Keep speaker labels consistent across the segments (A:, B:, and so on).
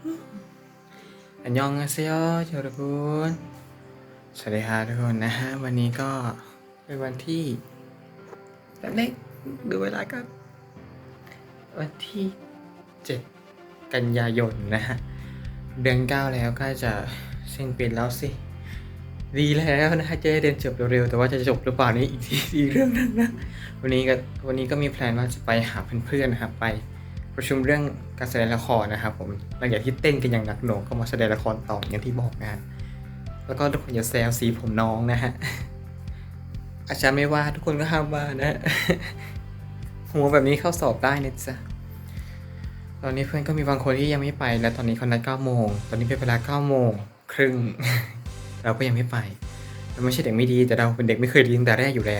A: อันยองอาเซโยทุกคนสวัสดีครับทุกคนนะฮะวันนี้ก็เป็นวันที่แบบนี้ดูเวลากันวันที่7กันยายนนะฮะเดือน9แล้วก็จะสิ้นปีแล้วสิดีแล้วนะฮะจะได้เรียนจบเร็วๆแต่ว่าจะจบหรือเปล่านี่อีกเรื่องนึงนะวันนี้ก็มีแพลนว่าจะไปหาเพื่อนๆนะครับไปประชุมเรื่องการแสดงละครนะครับผมหลังจากที่เต้นกันอย่างหนักหน่วงก็มาแสดงละครต่ออย่างที่บอกนะฮะแล้วก็ทุกคนอย่าแซวสีผมน้องนะฮะอาจารย์ไม่ว่าทุกคนก็ห้ามว่านะฮะหัวแบบนี้เข้าสอบได้นะจ๊ะตอนนี้เพื่อนก็มีบางคนที่ยังไม่ไปและตอนนี้เขานัด9 โมงตอนนี้เป็นเวลา9 โมงครึ่ง เราก็ยังไม่ไปเราไม่ใช่เด็กไม่ดีแต่เราเป็นเด็กไม่เคยเรียนแต่แรกอยู่แล้ว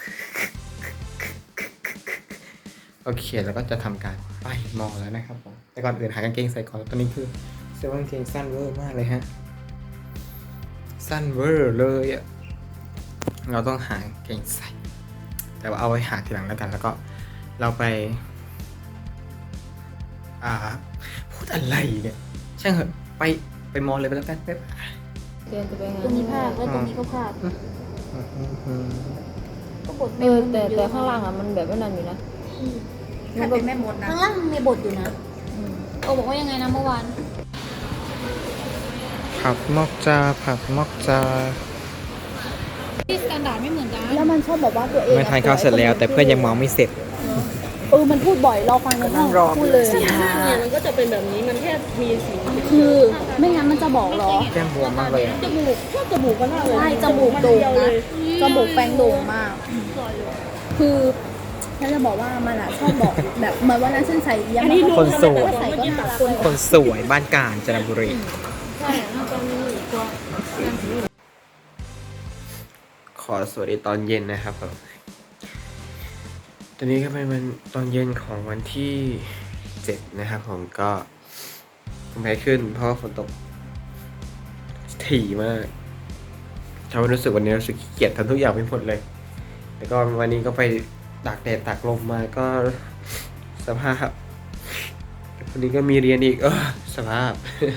A: โอเคแล้วก็จะทำการไปมอแล้วนะครับผมแต่ก่อนอื่นหากางเกงใส่ก่อนตอนนี้คือเสื้อกางเกงสั้นเวอร์มากเลยฮะสั้นเวอร์เลยอะเราต้องหากางเกงใส่แต่ว่าเอาไว้หาทีหลังแล้วกันแล้วก็เราไปพูดอะไรเนี่ยช่างเหอะไปมอเลยไปแล้วกันไป
B: เรียนจะไปงาน
C: ตรงนี้พลาดแล้วตรงนี้ก็พลาดก็บท
B: แต่ข้างล่างอ่ะมันแบบว่านั่นอยู่นะ
D: ใครเป็นแม่มดนะ
C: ข้างล่างมีบทอยู่นะโอบอกว่ายังไงนะเมื่อวาน
A: ผักมอกจาผักมอกจา
C: ที่สแตนดาร์ดไม่เหมือนกัน
D: แล้วมันชอบบอกว่าตัวเอง
A: ไม่ทานข้าวเสร็จแล้วแต่เพื่อนยังมองไม่เสร็จ
D: มันพูดบ่อยรอฟังในห้องพูดเลย
E: เนี่ยมันก็จะเป็นแบบนี้มันแค่มีสี
D: คือไม่งั้นมันจะบอกหรอ
A: แก้มบวมมากเลยอะ
E: จมูกชอบจมูกก็น่าเลย
D: ใช่จมูกโด่งนะจมูกแปลงโด่งมาก คือฉันจะบอกว่ามันชอบบอกแบบเหมือนวันนั้นฉันใส่เยี่ยม
A: คนสวย
D: ใส่ก็น่ารัก
A: คนสวยบ้านกาญจนบุรี
C: ใช่แล้วตอนนี้ตัว
A: ขอสวัสดีตอนเย็นนะครับผมตอนนี้ก็เป็นวันตอนเย็นของวันที่7นะครับผมก็แพ้ขึ้นเพราะว่าฝนตกถี่มากทำให้รู้สึกวันนี้รู้สึกขี้เกียจทำทุกอย่างไม่หมดเลยแล้วก็วันนี้ก็ไปตากแดดตากลมมาก็สภาพวันนี้ก็มีเรียนอีกสภาพ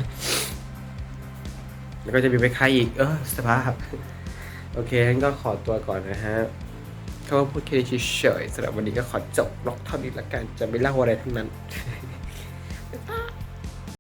A: แล้วก็จะมีไปค่ายอีกสภาพโอเคงั้นก็ขอตัวก่อนนะฮะเขาพูดแค่นี้เฉยๆสำหรับวันนี้ก็ขอจบล็อกเท่านี้ละกันจะไม่เล่าอะไรทั้งนั้น